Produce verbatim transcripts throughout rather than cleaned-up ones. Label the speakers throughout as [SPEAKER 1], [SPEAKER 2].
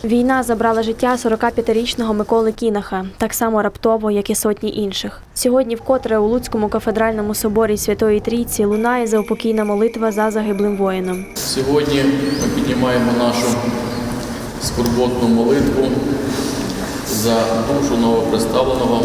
[SPEAKER 1] Війна забрала життя сорокап'ятирічного Миколи Кінаха, так само раптово, як і сотні інших. Сьогодні вкотре у Луцькому кафедральному соборі Святої Трійці лунає заупокійна молитва за загиблим воїном.
[SPEAKER 2] Сьогодні ми піднімаємо нашу скорботну молитву за душу новоприставленого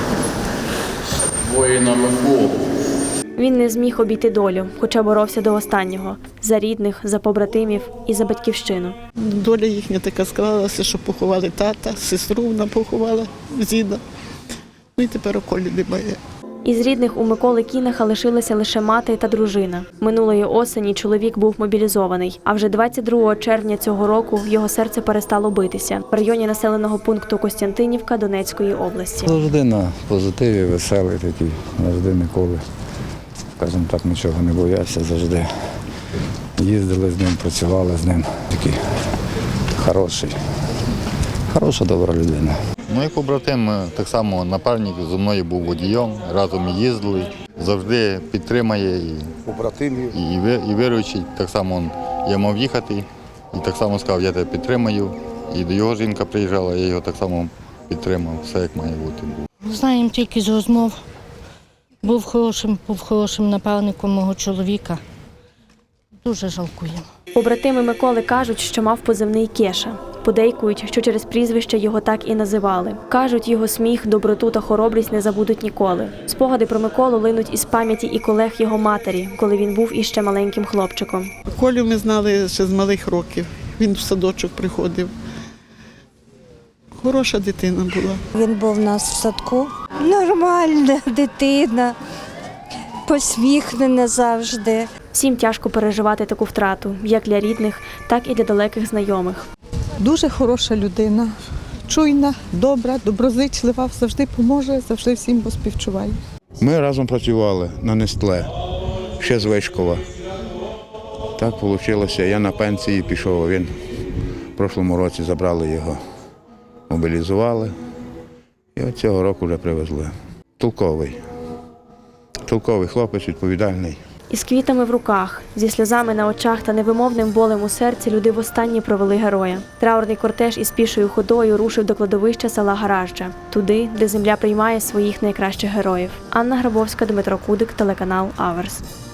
[SPEAKER 2] воїна Миколу.
[SPEAKER 1] Він не зміг обійти долю, хоча боровся до останнього – за рідних, за побратимів і за батьківщину.
[SPEAKER 3] Доля їхня така склалася, що поховали тата, сестру вона поховала, діда. Ну і тепер у колі немає.
[SPEAKER 1] Із рідних у Миколи Кінаха лишилася лише мати та дружина. Минулої осені чоловік був мобілізований, а вже двадцять другого червня цього року його серце перестало битися в районі населеного пункту Костянтинівка Донецької області.
[SPEAKER 4] Завжди на позитиві, веселий такий, завжди ніколи, скажімо так, нічого не боявся, завжди їздили з ним, працювали з ним. Такий хороший, хороша, добра людина.
[SPEAKER 5] Мій побратим так само напарник зі мною був водієм, разом їздили, завжди підтримує і, і, і віруючий. Так само я мав їхати і так само сказав, я тебе підтримую. І до його жінка приїжджала, я його так само підтримав, все як має бути.
[SPEAKER 6] Знаємо тільки з розмов. Був хорошим, був хорошим напарником мого чоловіка. Дуже жалкуємо.
[SPEAKER 1] Побратими Миколи кажуть, що мав позивний Кеша. Подейкують, що через прізвище його так і називали. Кажуть, його сміх, доброту та хоробрість не забудуть ніколи. Спогади про Миколу линуть із пам'яті і колег його матері, коли він був іще маленьким хлопчиком.
[SPEAKER 3] Колю ми знали ще з малих років. Він в садочок приходив. Хороша дитина була.
[SPEAKER 7] Він був у нас в садку. Нормальна дитина, посміхнена завжди.
[SPEAKER 1] Всім тяжко переживати таку втрату, як для рідних, так і для далеких знайомих.
[SPEAKER 8] Дуже хороша людина, чуйна, добра, доброзичлива, завжди поможе, завжди всім поспівчуває.
[SPEAKER 9] Ми разом працювали на Нестле, ще з Вишкова. Так вийшло, я на пенсії пішов, а він в прошлому році забрали його, мобілізували і от цього року вже привезли. Толковий, толковий хлопець, відповідальний.
[SPEAKER 1] Із квітами в руках, зі сльозами на очах та невимовним болем у серці люди востаннє провели героя. Траурний кортеж із пішою ходою рушив до кладовища села Гаражджа, туди, де земля приймає своїх найкращих героїв. Анна Грабовська, Дмитро Кудик, телеканал Аверс.